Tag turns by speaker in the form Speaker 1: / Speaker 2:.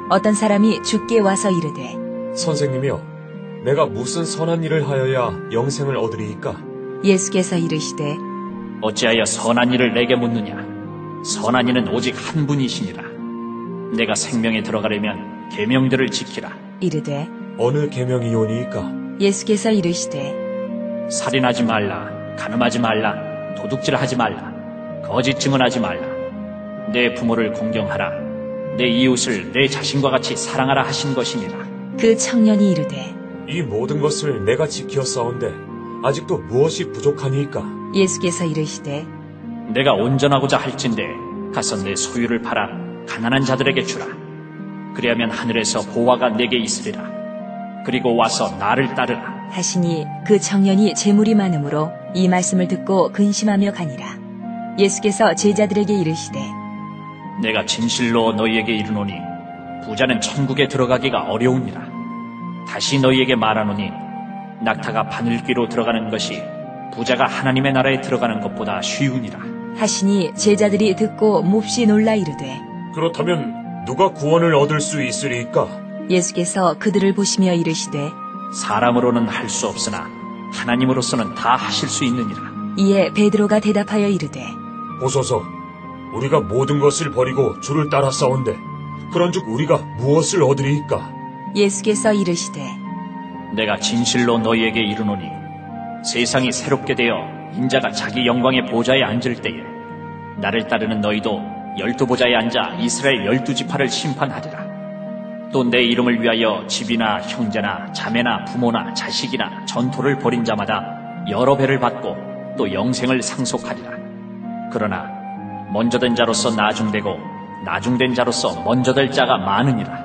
Speaker 1: 어떤 사람이 주께 와서 이르되
Speaker 2: 선생님이여, 내가 무슨 선한 일을 하여야 영생을 얻으리이까?
Speaker 1: 예수께서 이르시되
Speaker 3: 어찌하여 선한 일을 내게 묻느냐? 선한 이는 오직 한 분이시니라. 내가 생명에 들어가려면 계명들을 지키라.
Speaker 1: 이르되
Speaker 2: 어느 계명이오니이까?
Speaker 1: 예수께서 이르시되
Speaker 3: 살인하지 말라, 간음하지 말라, 도둑질하지 말라, 거짓 증언하지 말라, 내 부모를 공경하라, 내 이웃을 내 자신과 같이 사랑하라 하신 것이니라.
Speaker 1: 그 청년이 이르되
Speaker 2: 이 모든 것을 내가 지키었사온데 아직도 무엇이 부족하니이까?
Speaker 1: 예수께서 이르시되
Speaker 3: 내가 온전하고자 할진대 가서 내 소유를 팔아 가난한 자들에게 주라. 그리하면 하늘에서 보화가 내게 있으리라. 그리고 와서 나를 따르라.
Speaker 1: 하시니 그 청년이 재물이 많으므로 이 말씀을 듣고 근심하며 가니라. 예수께서 제자들에게 이르시되
Speaker 3: 내가 진실로 너희에게 이르노니 부자는 천국에 들어가기가 어려우니라. 다시 너희에게 말하노니 낙타가 바늘귀로 들어가는 것이 부자가 하나님의 나라에 들어가는 것보다 쉬우니라.
Speaker 1: 하시니 제자들이 듣고 몹시 놀라 이르되
Speaker 2: 그렇다면 누가 구원을 얻을 수 있으리이까?
Speaker 1: 예수께서 그들을 보시며 이르시되
Speaker 3: 사람으로는 할 수 없으나 하나님으로서는 다 하실 수 있느니라.
Speaker 1: 이에 베드로가 대답하여 이르되
Speaker 2: 보소서, 우리가 모든 것을 버리고 주를 따랐사온데 그런즉 우리가 무엇을 얻으리이까?
Speaker 1: 예수께서 이르시되
Speaker 3: 내가 진실로 너희에게 이르노니 세상이 새롭게 되어 인자가 자기 영광의 보좌에 앉을 때에 나를 따르는 너희도 12보좌에 앉아 이스라엘 12지파를 심판하리라. 또 내 이름을 위하여 집이나 형제나 자매나 부모나 자식이나 전토를 벌인 자마다 여러 배를 받고 또 영생을 상속하리라. 그러나 먼저 된 자로서 나중되고 나중된 자로서 먼저 될 자가 많으니라.